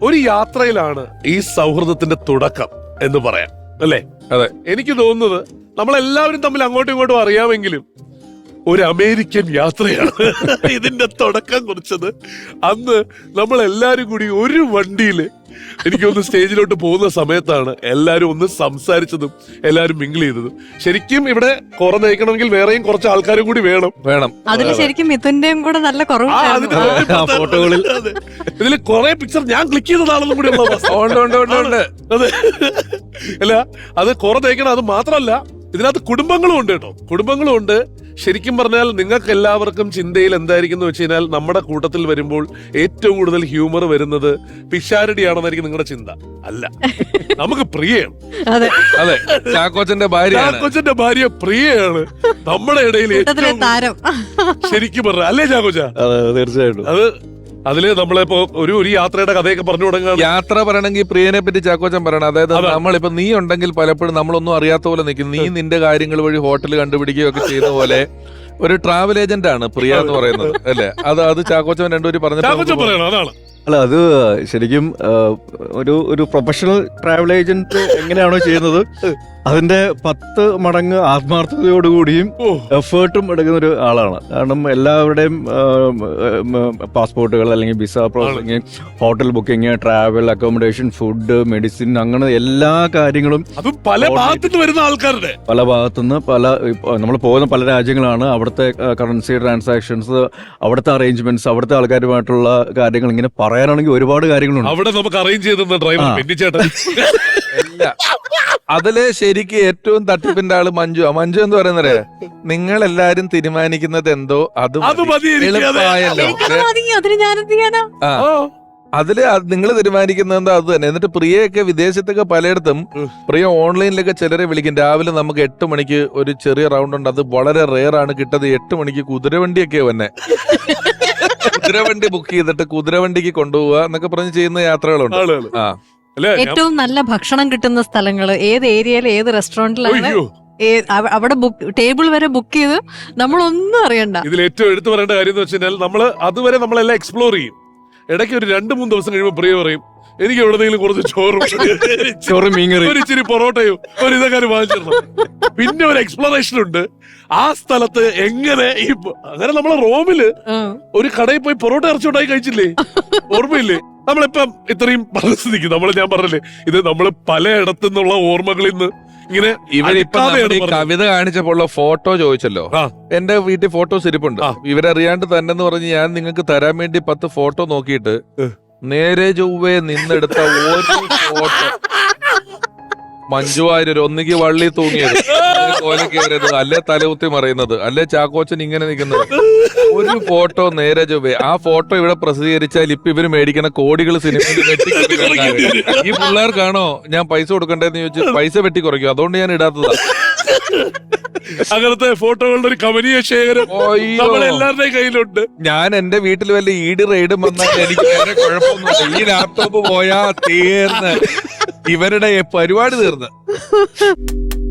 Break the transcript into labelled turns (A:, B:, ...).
A: ഒരു യാത്രയിലാണ് ഈ സൗഹൃദത്തിന്റെ തുടക്കം എന്ന് പറയാം അല്ലേ?
B: അതെ.
A: എനിക്ക് തോന്നുന്നത് നമ്മളെല്ലാവരും തമ്മിൽ അങ്ങോട്ടും ഇങ്ങോട്ടും അറിയാമെങ്കിലും ഒരു അമേരിക്കൻ യാത്രയാണ് ഇതിന്റെ തുടക്കം കുറിച്ചത്. അന്ന് നമ്മൾ എല്ലാരും കൂടി ഒരു വണ്ടിയില് എനിക്കൊന്ന് സ്റ്റേജിലോട്ട് പോകുന്ന സമയത്താണ് എല്ലാരും ഒന്ന് സംസാരിച്ചതും എല്ലാരും മിങ്കിൾ ചെയ്തതും. ശരിക്കും ഇവിടെ കുറെ നയിക്കണമെങ്കിൽ വേറെയും കുറച്ച് ആൾക്കാരും കൂടി വേണം.
C: അതിന് ശരിക്കും മിഥുന്റെയും കൂടെ നല്ല കുറവ്.
B: ഫോട്ടോകളിൽ
A: ഇതില് കുറെ പിക്ചർ ഞാൻ ക്ലിക്ക് ചെയ്തതാണെന്നും കൂടി അതെ. അല്ല, അത് കുറെ നയിക്കണം. അത് മാത്രമല്ല, ഇതിനകത്ത് കുടുംബങ്ങളും ഉണ്ട് കേട്ടോ. കുടുംബങ്ങളും ഉണ്ട്. ശരിക്കും പറഞ്ഞാൽ നിങ്ങൾക്ക് എല്ലാവർക്കും ചിന്തയിൽ എന്തായിരിക്കും എന്ന് വെച്ച് കഴിഞ്ഞാൽ, നമ്മുടെ കൂട്ടത്തിൽ വരുമ്പോൾ ഏറ്റവും കൂടുതൽ ഹ്യൂമർ വരുന്നത് പിഷാരടിയാണെന്നായിരിക്കും നിങ്ങളുടെ ചിന്ത. അല്ല, നമുക്ക് പ്രിയയാണ്.
B: അതെ, ചാക്കോച്ചന്റെ
A: ഭാര്യ പ്രിയയാണ് നമ്മുടെ ഇടയിൽ ഏറ്റവും
C: താരം.
A: ശരിക്കും പറഞ്ഞ അല്ലേ ചാക്കോച്ച?
B: തീർച്ചയായിട്ടും.
A: അത് അതില് നമ്മളിപ്പോ ഒരു യാത്രയുടെ കഥയൊക്കെ പറഞ്ഞു തുടങ്ങാൻ,
B: യാത്ര പറയണമെങ്കിൽ പ്രിയനെ പറ്റി ചാക്കോച്ചൻ പറയണം. അതായത് നമ്മളിപ്പോ നീ ഉണ്ടെങ്കിൽ പലപ്പോഴും നമ്മളൊന്നും അറിയാത്ത പോലെ നിൽക്കും. നീ നിന്റെ കാര്യങ്ങൾ വഴി ഹോട്ടൽ കണ്ടുപിടിക്കുകയൊക്കെ ചെയ്യുന്ന പോലെ ഒരു ട്രാവൽ ഏജന്റ് ആണ് പ്രിയ എന്ന് പറയുന്നത് അല്ലെ? അത് ചാക്കോച്ചൻ രണ്ടുപേരും
A: പറഞ്ഞു.
D: അല്ല, അത് ശരിക്കും ഒരു പ്രൊഫഷണൽ ട്രാവൽ ഏജന്റ് എങ്ങനെയാണോ ചെയ്യുന്നത് അതിന്റെ 10 മടങ്ങ് ആത്മാർത്ഥതയോടുകൂടിയും എഫേർട്ടും എടുക്കുന്ന ഒരു ആളാണ്. കാരണം എല്ലാവരുടെയും പാസ്പോർട്ടുകൾ അല്ലെങ്കിൽ visa processing, hotel booking, travel, accommodation, food, medicine, അങ്ങനെ എല്ലാ കാര്യങ്ങളും
A: പല ഭാഗത്തുനിന്ന് വരുന്ന ആൾക്കാരുടെ
D: പല ഭാഗത്തുനിന്ന് നമ്മൾ പോകുന്ന പല രാജ്യങ്ങളാണ്. അവിടുത്തെ കറൻസി ട്രാൻസാക്ഷൻസ്, അവിടുത്തെ അറേഞ്ച്മെന്റ്സ്, അവിടുത്തെ ആൾക്കാരുമായിട്ടുള്ള കാര്യങ്ങൾ ഇങ്ങനെ പറയാനാണെങ്കിൽ ഒരുപാട് കാര്യങ്ങളുണ്ട്.
A: അവിടെ നമുക്ക് അറേഞ്ച് ചെയ്ത ഡ്രൈവർ
B: അതില് ശരിക്ക് ഏറ്റവും തട്ടിപ്പിന്റെ ആള് മഞ്ജു എന്ന് പറയുന്നത്, നിങ്ങൾ എല്ലാരും തീരുമാനിക്കുന്നത് എന്തോ അത് എളുപ്പമായല്ലോ. അതില് നിങ്ങൾ തീരുമാനിക്കുന്നത് എന്താ അത് തന്നെ. എന്നിട്ട് പ്രിയയൊക്കെ വിദേശത്തൊക്കെ പലയിടത്തും പ്രിയ ഓൺലൈനിലൊക്കെ ചിലരെ വിളിക്കും. രാവിലെ നമുക്ക് 8 മണിക്ക് ഒരു ചെറിയ റൗണ്ട് ഉണ്ട്. അത് വളരെ റെയർ ആണ് കിട്ടത്. 8 മണിക്ക് കുതിരവണ്ടിയൊക്കെ വന്നെ. കുതിരവണ്ടി ബുക്ക് ചെയ്തിട്ട് കുതിരവണ്ടിക്ക് കൊണ്ടുപോവുക എന്നൊക്കെ പറഞ്ഞ് ചെയ്യുന്ന യാത്രകളുണ്ട്.
C: ഏറ്റവും നല്ല ഭക്ഷണം കിട്ടുന്ന സ്ഥലങ്ങള് ഏത് ഏരിയയിൽ ഏത് റെസ്റ്റോറന്റിലാണ്, അവിടെ ടേബിൾ വരെ ബുക്ക് ചെയ്ത് നമ്മളൊന്നും അറിയണ്ട.
A: ഇതിൽ ഏറ്റവും എടുത്തു പറയേണ്ട കാര്യം എന്ന് വെച്ചാൽ, നമ്മള് അതുവരെ നമ്മളെല്ലാം എക്സ്പ്ലോർ ചെയ്യും. ഇടയ്ക്ക് ഒരു 2-3 ദിവസം കഴിയുമ്പോൾ പ്രിയ പറയും, എനിക്ക് എവിടെന്നെങ്കിലും കുറച്ച് ചോറും മീൻകറി, ഒരു ഇച്ചിരി പൊറോട്ടയോ ഒരു ഇതൊക്കെ വാങ്ങിച്ചിരുന്നു. പിന്നെ ഒരു എക്സ്പ്ലോറേഷൻ ഉണ്ട് ആ സ്ഥലത്ത് എങ്ങനെ അങ്ങനെ നമ്മളെ റോമില് ഒരു കടയിൽ പോയി പൊറോട്ട ഇറച്ചുണ്ടായി കഴിച്ചില്ലേ, ഓർമ്മയില്ലേ? നമ്മളിപ്പം ഇത്രയും പരിസ്ഥിതിക്ക് ഞാൻ പറഞ്ഞില്ലേ, ഇത് നമ്മള് പലയിടത്തു നിന്നുള്ള ഓർമ്മകളിൽ നിന്ന് ഇങ്ങനെ.
B: കവിത കാണിച്ചപ്പോൾ ഫോട്ടോ ചോദിച്ചല്ലോ, എന്റെ വീട്ടിൽ ഫോട്ടോസ് ഇരിപ്പുണ്ട്. ഇവരറിയാണ്ട് തന്നെ എന്ന് പറഞ്ഞ് ഞാൻ നിങ്ങൾക്ക് തരാൻ വേണ്ടി 10 ഫോട്ടോ നോക്കിയിട്ട് നേരെ ചൊവ്വേ നിന്നെടുത്ത ഒരു ഫോട്ടോ മഞ്ജു വാര്യർ ഒന്നുകിൽ വള്ളി തൂങ്ങിയത്, കോലക്കേറിയത്, അല്ലെ തലകുത്തി മറയുന്നത്, അല്ലെ ചാക്കോച്ചൻ ഇങ്ങനെ നിൽക്കുന്നത്. ഒരു ഫോട്ടോ നേരെ ചൊവ്വേ. ആ ഫോട്ടോ ഇവിടെ പ്രസിദ്ധീകരിച്ചാൽ ഇപ്പൊ ഇവര് മേടിക്കുന്ന കോടികൾ സിനിമയിൽ ഈ പിള്ളേർക്കാണോ ഞാൻ പൈസ കൊടുക്കണ്ടേന്ന് ചോദിച്ചു പൈസ വെട്ടി കുറയ്ക്കും. അതുകൊണ്ട് ഞാൻ ഇടാത്തതാ.
A: അങ്ങനത്തെ ഫോട്ടോകളുടെ ഒരു കമനീയ ശേഖരം എല്ലാവരുടെയും കയ്യിലുണ്ട്.
B: ഞാൻ എന്റെ വീട്ടിൽ വല്ല ഈട് റെയ്ഡും വന്നാൽ എനിക്ക് വേറെ കുഴപ്പമൊന്നുമില്ല. ഈ ലാപ്ടോപ്പ് പോയാ തീർന്ന് ഇവരുടെ പരിപാടി തീർന്ന്.